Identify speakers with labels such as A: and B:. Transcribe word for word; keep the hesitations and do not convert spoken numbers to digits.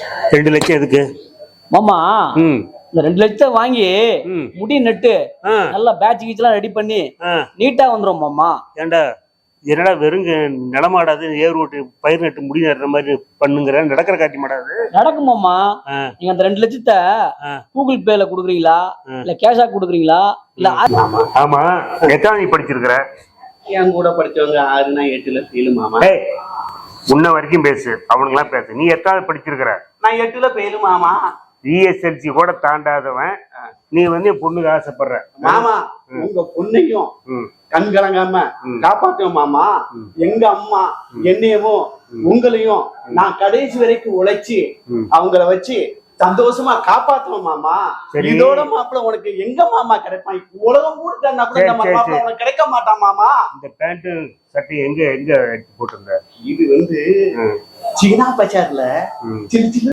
A: ரெண்டு லட்சம் எதுக்கு
B: மாமா?
A: ம்
B: இந்த ரெண்டு லட்சத்தை வாங்கி முடி நட்டு நல்லா பேட்ச் கீச்செல்லாம் ரெடி பண்ணி நீட்டா வந்துரும் மாமா.
A: ஏண்டா என்னடா வெறுங்க நிலமாடாது ஏர் ஓட்டு பயிர் நட்டு முடி நடுற மாதிரி பண்ணுங்கிற நடக்கிற காட்சி மாடாது
B: நடக்கும் மாமா. நீங்க அந்த ரெண்டு லட்சத்தை கூகுள் பேல குடுக்குறீங்களா இல்ல கேஷா குடுக்குறீங்களா இல்ல?
A: ஆமா, எத்தனை நீ படிச்சிருக்கிற?
C: என் கூட படிச்சவங்க ஆறுனா எட்டுல ஃபெயிலு மாமா.
A: முன்ன வரைக்கும் பேசு, அவனுங்களாம் பேசு. நீ எத்தாவது படிச்சிருக்கிற?
C: நான் எட்டுல ஃபெயிலு மாமா.
A: இஎஸ்எல்சி கூட தாண்டாதவன் நீ வந்து என் பொண்ணுக்கு ஆசைப்படுற
C: மாமா. உங்க பொண்ணையும் கண் கலங்காம காப்பாத்துவோம் மாமா. எங்க அம்மா என்னையவும் உங்களையும் நான் கடைசி வரைக்கும் உழைச்சி அவங்கள வச்சு சந்தோஷமா காப்பாத்துவோம் மாமா. இதோட மாப்பிள்ள உனக்கு எங்க மாமா கிடைப்பான்? உலகம் கூட மாப்பிள்ள உனக்கு கிடைக்க மாட்டான் மாமா.
A: இந்த பேண்ட் சட்டை எங்க எங்க எடுத்து போட்டிருந்த?
C: இது வந்து சீனா பஜார்ல சின்ன சின்ன